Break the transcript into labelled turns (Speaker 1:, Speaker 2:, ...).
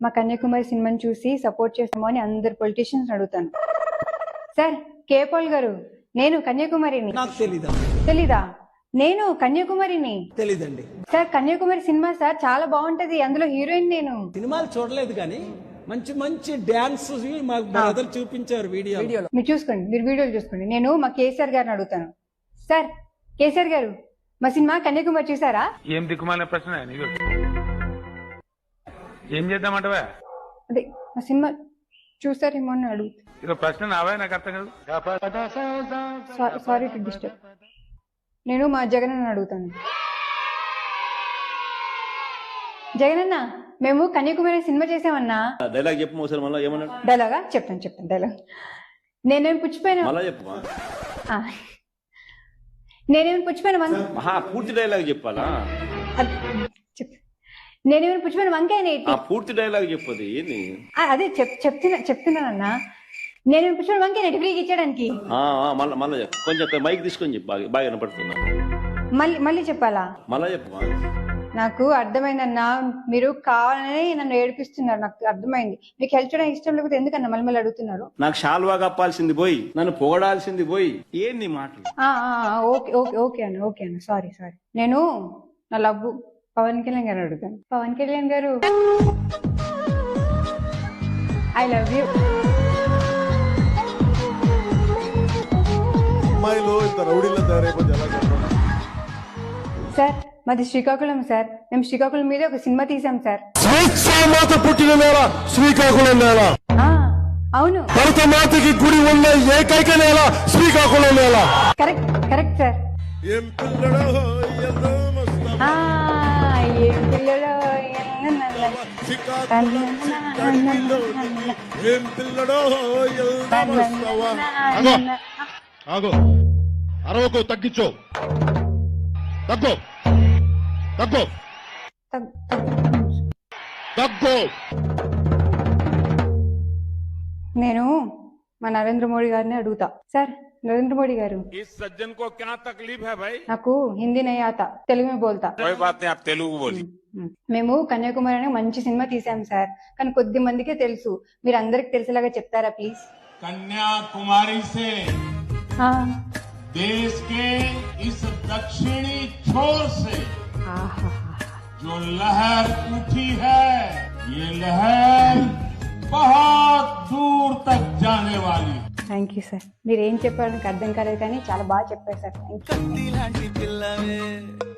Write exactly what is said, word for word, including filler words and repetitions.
Speaker 1: మా కన్యాకుమారి సినిమాని చూసి సపోర్ట్ చేస్తామో అని అందరు పొలిటీషియన్స్ అడుగుతాను. సార్ కే పాల్ గారు, నేను కన్యాకుమారిని.
Speaker 2: నాకు తెలీదా?
Speaker 1: తెలీదా? నేను కన్యాకుమారిని.
Speaker 2: తెలీదండి
Speaker 1: సార్ కన్యాకుమారి సినిమా సార్ చాలా బాగుంటది, అందులో హీరోయిన్ నేను.
Speaker 2: సినిమాలు చూడలేదు కానీ మంచి మంచి డాన్స్ మా బ్రదర్ చూపించారు వీడియో వీడియోలో.
Speaker 1: మీరు చూసుకోండి, మీరు వీడియోలు చూసుకోండి. నేను మా కేసీఆర్ గారిని అడుగుతాను. సార్ కేసీఆర్ గారు, మా సినిమా కన్యాకుమారి చూసారా?
Speaker 3: ఏం దిక్కుమాలిన ప్రశ్న నీకు? ఏం చేద్దామంటవా?
Speaker 1: అదే మా సినిమా చూసారేమో అని అడుగుతా.
Speaker 3: ఇదో ప్రశ్న నావే, నాకు అర్థం కాదు.
Speaker 1: Sorry to disturb. నేను మా జగన్ అన్న అడుగుతాను. జగనన్న, మేము కన్యాకుమారి సినిమా చేసామన్నా.
Speaker 4: డైలాగ్ చెప్పు ఒకసారి మళ్ళీ. ఏమన్నా
Speaker 1: డైలాగా? చెప్తాను చెప్తాను డైలాగ్. నేనేమి పుచ్చిపోయినా
Speaker 4: మళ్ళా చెప్పు.
Speaker 1: నేనేమి పుచ్చిపోయిన
Speaker 4: మహా పూర్తి డైలాగ్ చెప్పాలా?
Speaker 1: నేనేమైనా పుచ్చిపోయిన వంకాయ
Speaker 4: పూర్తి డైలాగ్ చెప్పదు ఏంది?
Speaker 1: అదే చెప్ చెప్తున్నా చెప్తున్నానన్నా. నేనేమి పుచ్చిపోయిన వంకాయ నెట్ ఫ్రీకి ఇచ్చడానికి.
Speaker 4: మళ్ళీ మళ్ళీ చెప్పు, కొంచెం మైక్ తీసుకొని చెప్పు, బాగా బాగా వినపడుతున్నా.
Speaker 1: మళ్ళీ మళ్ళీ చెప్పాలా?
Speaker 4: మళ్ళా చెప్పు.
Speaker 1: నాకు అర్థమైందన్నా, మీరు కావాలని నన్ను ఏడిపిస్తున్నారు. నాకు అర్థమైంది. మీకు హెల్ప్ చేయడానికి ఇష్టం లేకపోతే ఎందుకన్నా మళ్ళీ మళ్ళీ అడుగుతున్నారు?
Speaker 4: నాకు షాల్వా కప్పాల్సింది పోయి, నన్ను పొగడాల్సింది పోయి, ఏంది మాటలు?
Speaker 1: ఓకే ఓకే ఓకే అన్న ఓకే అన్న సారీ సారీ. నేను నా లవ్ పవన్ కళ్యాణ్ గారు అడుగుతాను. పవన్ కళ్యాణ్ గారు, ఐ లవ్ యూ. సార్ మాది శ్రీకాకుళం సార్. మేము శ్రీకాకుళం మీద ఒక సినిమా తీసాం సార్.
Speaker 5: పుట్టిన నేల శ్రీకాకుళం నేల.
Speaker 1: అవును,
Speaker 5: భరతమాతకి గుడి ఉన్న ఏకైక నేల శ్రీకాకుళం నేల.
Speaker 1: Correct correct sir.
Speaker 5: ఏం పిల్లడో
Speaker 1: ఏం పిల్లడో
Speaker 5: ఏం పిల్లడో ఆగో, అరవకు, తగ్గించో, తగ్గో తగ్గో తగ్గో.
Speaker 1: నేను మా నరేంద్ర మోడీ గారిని అడుగుతా. సార్ నరేంద్ర మోడీ గారు, నాకు హిందీ నై ఆతా, తెలుగు మే బోల్తా. మేము కన్యాకుమారి అనే మంచి సినిమా తీసాం సార్, కానీ కొద్ది మందికే తెలుసు. మీరు అందరికి తెలిసేలాగా చెప్తారా ప్లీజ్?
Speaker 6: कन्याकुमारी से देश के इस दक्षिणी छोर से जो लहर उठी है, ये लहर बहुत दूर तक जाने वाली.
Speaker 1: Thank you sir. మీరు ఏం చెప్పారో నాకు అర్థం కాలేదు కానీ చాలా బాగా చెప్పారు సార్. Thank you.